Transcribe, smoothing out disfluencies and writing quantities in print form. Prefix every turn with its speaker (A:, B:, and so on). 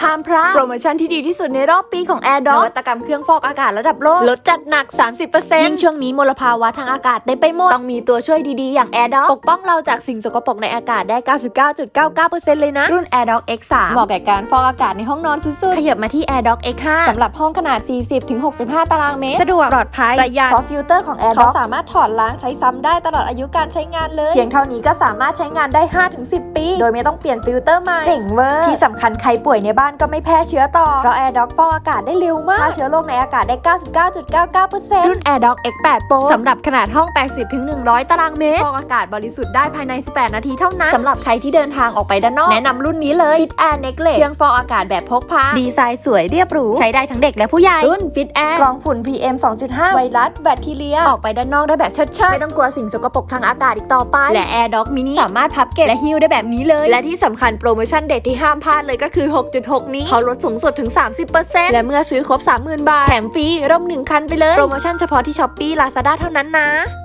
A: ห้ามพลาดโปรโมชั่นที่ดีที่สุดในรอบปีของ AirDog นวัตกรรมเครื่องฟอกอากาศระดับโลกลดจัดหนัก 30% ยิ่งช่วงนี้มลภาวะทางอากาศเต็มไปหมดต้องมีตัวช่วยดีๆอย่าง AirDog ปกป้องเราจากสิ่งสกปรกในอากาศได้ 99.99% เลยนะรุ่น AirDog X3 เหมาะแก่การฟอกอากาศในห้องนอนสุดๆขยับมาที่ AirDog X5 สำหรับห้องขนาด 40-65 ตารางเมตรสะดวกปลอดภัยประหยัดเพราะฟิลเตอร์ของ AirDog สามารถถอดล้างใช้ซ้ำได้ตลอดอายุการใช้งานเลยเพียงเท่านี้ก็สามารถใช้งานได้ 5-10 ปีโดยไม่ต้องเปลี่ยนฟิลเตอร์ใหม่เจ๋งเวอร์ที่สำคัญใครป่วยในบ้านก็ไม่แพร่เชื้อต่อเพราะ AirDog ฟอกอากาศได้เร็วมากฆ่าเชื้อโรคในอากาศได้ 99.99% รุ่น AirDog X8 Pro สำหรับขนาดห้อง 80-100 ตารางเมตรฟอกอากาศบริสุทธิ์ได้ภายใน 18 นาทีเท่านั้นสำหรับใครที่เดินทางออกไปด้านนอกแนะนำรุ่นนี้เลย Fit Air Necklace เครื่องฟอกอากาศแบบพกพาดีไซน์สวยเรียบหรูใช้ได้ทั้งเด็กและผู้ใหญ่รุ่น Fit Air กรองฝุ่น PM 2.5 ไวรัสแบคทีเรียออกไปด้านนอกได้แบบเชิดๆไม่ต้องกลัวสิ่งสกปรกทางอากาศอีกต่อไปและ AirDog Mini สามารถพับเก็บและหิ้วได้แบบนี้เลยและที่สำคัญโปรโมชั่นเด็ดที่ห้ามพลาดเลยก็คือ 6.6 นี้เขาลดสูงสุดถึง 30% และเมื่อซื้อครบ 30,000 บาทแถมฟรีร่ม1 คันไปเลยโปรโมชั่นเฉพาะที่ Shopee Lazada เท่านั้นนะ